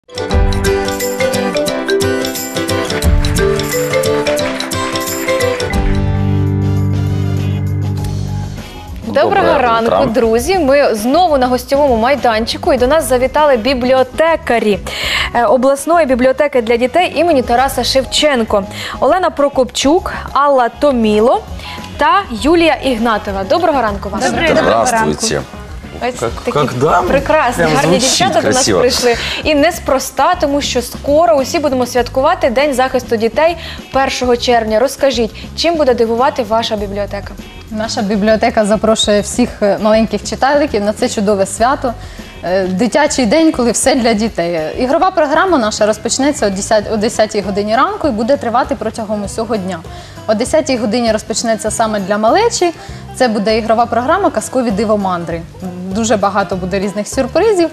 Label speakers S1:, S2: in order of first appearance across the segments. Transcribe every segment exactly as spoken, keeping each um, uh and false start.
S1: Доброго ранку, друзі! Ми знову на гостьовому майданчику і до нас завітали бібліотекарі обласної бібліотеки для дітей імені Тараса Шевченко. Олена Прокопчук, Алла Томіло та Юлія Ігнатова. Доброго ранку вам!
S2: Доброго ранку!
S1: Ось такі прекрасні, гарні дівчата до нас прийшли. І неспроста, тому що скоро усі будемо святкувати День захисту дітей першого червня. Розкажіть, чим буде дивувати ваша бібліотека?
S3: Наша бібліотека запрошує всіх маленьких читальників на це чудове свято. Дитячий день, коли все для дітей. Ігрова програма наша розпочнеться о десятій годині ранку і буде тривати протягом усього дня. О десятій годині розпочнеться саме для малечі. Це буде ігрова програма «Казкові дивомандри». Дуже багато буде різних сюрпризів.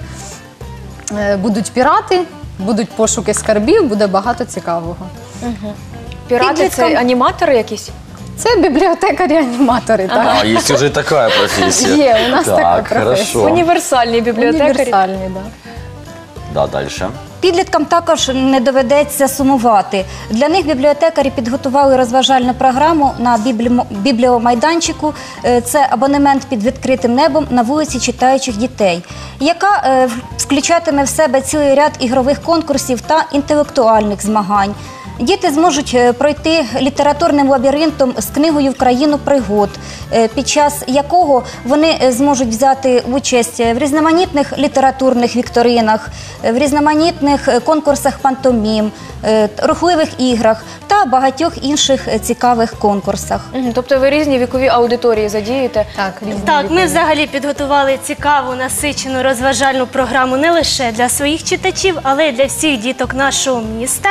S3: Будуть пірати, будуть пошуки скарбів, буде багато цікавого.
S1: Угу. Пірати – це аніматори якісь?
S3: Це бібліотекарі-аніматори.
S2: Ага, а, є вже така професія.
S3: Є, у нас така професія.
S1: Універсальні бібліотекарі.
S3: Універсальні, так.
S2: Да, далі.
S4: Підліткам також не доведеться сумувати. Для них бібліотекарі підготували розважальну програму на бібліомайданчику. Це абонемент під відкритим небом на вулиці читаючих дітей, яка включатиме в себе цілий ряд ігрових конкурсів та інтелектуальних змагань. Діти зможуть пройти літературним лабіринтом з книгою «В країну пригод», під час якого вони зможуть взяти участь в різноманітних літературних вікторинах, в різноманітних конкурсах пантомім, рухливих іграх та багатьох інших цікавих конкурсах.
S1: Тобто ви різні вікові аудиторії задієте?
S5: Так, так, ми взагалі підготували цікаву, насичену розважальну програму не лише для своїх читачів, але й для всіх діток нашого міста.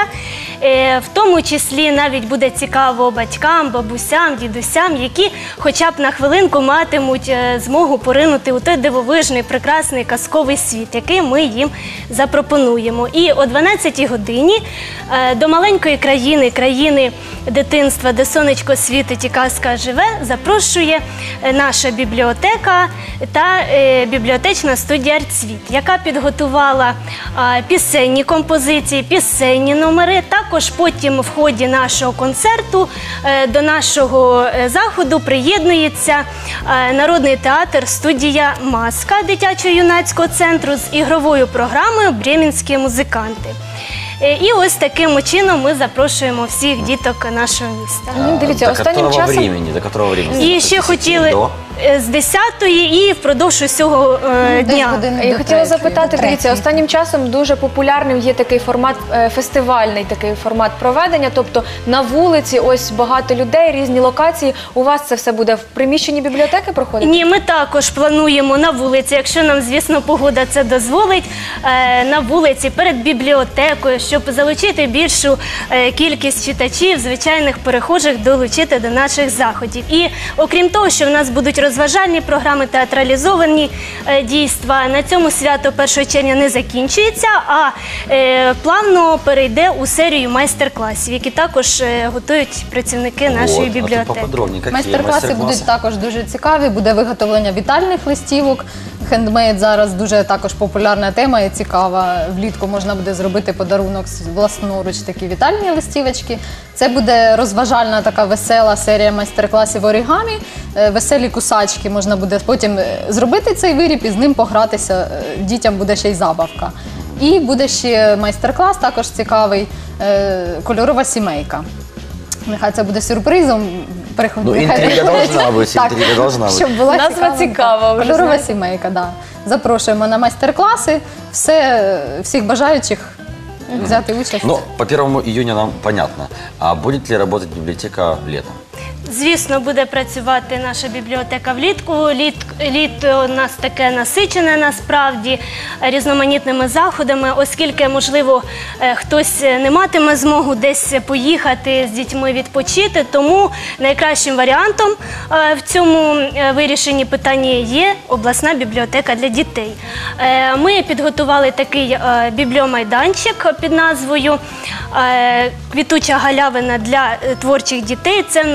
S5: В тому числі навіть буде цікаво батькам, бабусям, дідусям, які хоча б на хвилинку матимуть змогу поринути у той дивовижний, прекрасний казковий світ, який ми їм запропонуємо. І о дванадцятій годині до маленької країни, країни дитинства, де сонечко світить і казка живе, запрошує наша бібліотека та бібліотечна студія «Артсвіт», яка підготувала пісенні композиції, пісенні номери. Також потім в ході нашого концерту до нашого заходу приєднується народний театр студія «Маска» дитячо-юнацького центру з ігровою програмою «Бремінські музиканти». І ось таким чином ми запрошуємо всіх діток нашого міста.
S1: Дивіться, останнім часом...
S2: До котрого времени?
S5: І ще хотіли з десятої і впродовж усього дня.
S1: Я хотіла запитати, дивіться, останнім часом дуже популярним є такий формат, фестивальний такий формат проведення, тобто на вулиці ось багато людей, різні локації. У вас це все буде в приміщенні бібліотеки проходити?
S5: Ні, ми також плануємо на вулиці, якщо нам, звісно, погода це дозволить, на вулиці перед бібліотекою, щоб залучити більшу кількість читачів, звичайних перехожих, долучити до наших заходів. І окрім того, що в нас будуть розважальні програми, театралізовані дійства, на цьому свято першого червня не закінчується, а плавно перейде у серію майстер-класів, які також готують працівники нашої бібліотеки.
S3: Майстер-класи будуть також дуже цікаві, буде виготовлення вітальних листівок. Хендмейд зараз дуже також популярна тема і цікава. Влітку можна буде зробити подарунок власноруч, такі вітальні листівочки. Це буде розважальна така весела серія майстер-класів оригамі. Веселі кусачки можна буде потім зробити цей виріб і з ним погратися. Дітям буде ще й забавка. І буде ще майстер-клас також цікавий «Кольорова сімейка». Нехай це буде сюрпризом.
S2: Ну, інтрига должна бути, інтрига должна бути.
S3: Щоб була
S1: назва цікава.
S3: «Кольорова сімейка», так. Запрошуємо на майстер-класи всіх бажаючих взяти участь.
S2: Ну, по первому июня нам понятно. А будет ли работать библиотека летом?
S5: Звісно, буде працювати наша бібліотека влітку. Літ, літо у нас таке насичене насправді різноманітними заходами, оскільки, можливо, хтось не матиме змогу десь поїхати з дітьми відпочити, тому найкращим варіантом в цьому вирішенні питання є обласна бібліотека для дітей. Ми підготували такий бібліомайданчик під назвою «Квітуча галявина для творчих дітей». Це в нас і мультимедійний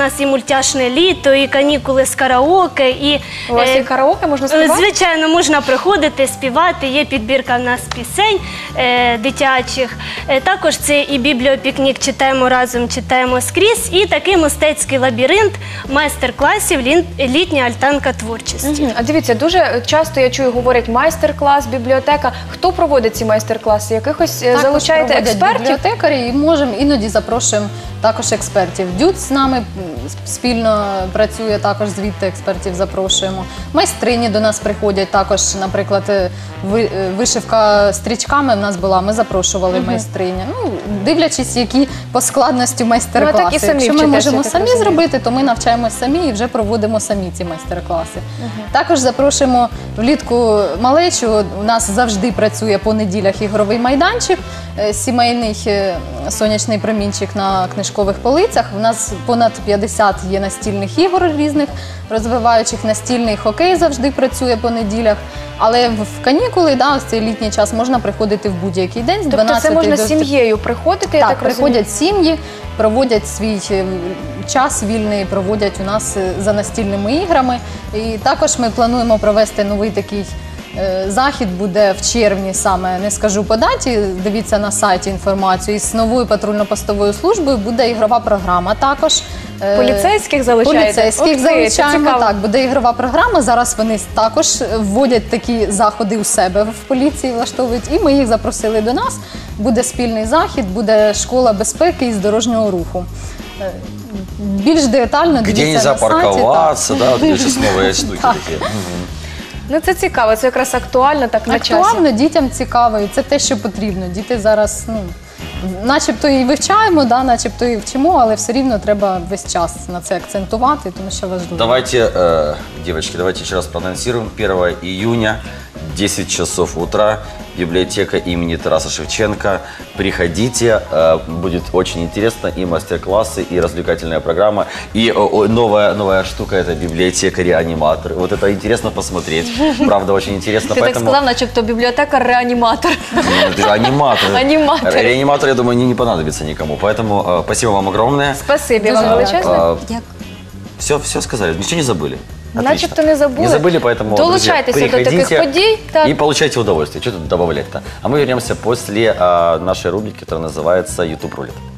S5: мультяшне літо, і канікули з караоке. І,
S1: У вас
S5: е,
S1: є караоке, можна
S5: Е,
S1: співати?
S5: Звичайно, можна приходити, співати, є підбірка в нас пісень е, дитячих. Е, також це і бібліопікнік «Читаємо разом, читаємо скрізь», і такий мистецький лабіринт майстер-класів «Лін- «Літня альтанка творчості».
S1: Мгм. А дивіться, дуже часто я чую, говорять майстер-клас, бібліотека. Хто проводить ці майстер-класи? Якихось е,
S3: Також
S1: залучаєте
S3: проводять
S1: експертів?
S3: бібліотекарі і можемо іноді запрошуємо також експертів. Дюд з нами м, спільно працює, також звідти експертів запрошуємо. Майстрині до нас приходять також, наприклад, е, ви- е, вишивка стрічками в нас була, ми запрошували майстрині. Ну, дивлячись, які по складності майстер-класи.
S1: Ну, а так і самі
S3: Якщо ми
S1: вчитеся,
S3: можемо
S1: я так
S3: самі
S1: розумію.
S3: зробити, то ми навчаємось самі і вже проводимо самі ці майстер-класи. Також запрошуємо влітку малечу. У нас завжди працює по неділях ігровий майданчик, е, сімейний е, сонячний промінчик на книжкових полицях. У нас понад п'ятдесят є настільних ігор різних, розвиваючих. Настільний хокей завжди працює по неділях. Але в в канікули, да, в цей літній час можна приходити в будь-який день з
S1: Тобто
S3: дванадцяти
S1: це можна
S3: до
S1: з сім'єю приходити, я
S3: так,
S1: так розумію?
S3: приходять сім'ї, проводять свій е, час вільний, проводять у нас е, за настільними іграми. І також ми плануємо провести новий такий е, захід, буде в червні саме, не скажу по даті, дивіться на сайті інформацію. І з новою патрульно-постовою службою буде ігрова програма також. Е,
S1: Поліцейських залучаєте?
S3: Поліцейських
S1: Ух ти, це
S3: залучаємо,
S1: цікаво.
S3: так, буде ігрова програма. Зараз вони також вводять такі заходи у себе в поліції, влаштовують, і ми їх запросили до нас. Буде спільний захід, буде школа безпеки і з дорожнього руху. Е, Більш детально
S2: Где
S3: дивіться
S2: нельзя
S3: на сайті.
S2: парковаться, да, вот сейчас новые штуки
S3: Так.
S2: такие. Мгм.
S1: Ну це цікаво, це якраз актуально, так на часі.
S3: Актуально, дітям цікаво, і це те, що потрібно. Діти зараз, ну, начебто і вивчаємо, да, начебто і вчимо, але все рівно треба весь час на це акцентувати, тому що важливо.
S2: Давайте, э, девочки, давайте еще раз проанонсируем. первого июня, десять часов утра, библиотека имени Тараса Шевченко. Приходите, э, будет очень интересно, и мастер-классы, и развлекательная программа, и о, о, новая, новая штука – это библиотекари-аниматоры. Вот это интересно посмотреть, правда, очень интересно.
S1: Ти так сказав, начебто бібліотекар-реаніматор.
S2: Ну, это же аниматоры.
S1: Аниматоры.
S2: Реаниматор, я думаю, не, не понадобится никому. Поэтому э, спасибо вам огромное.
S1: Спасибі
S3: Дуже
S1: вам величезне.
S4: Дякую.
S2: Все, все сказали, ничего не забыли.
S1: Начебто не забули.
S2: Не забыли, поэтому,
S1: Долучайтеся
S2: друзья,
S1: до таких
S2: приходите
S1: подій. Так.
S2: и получайте удовольствие. Что тут добавлять-то? А мы вернемся после а, нашей рубрики, которая называется «YouTube рулет».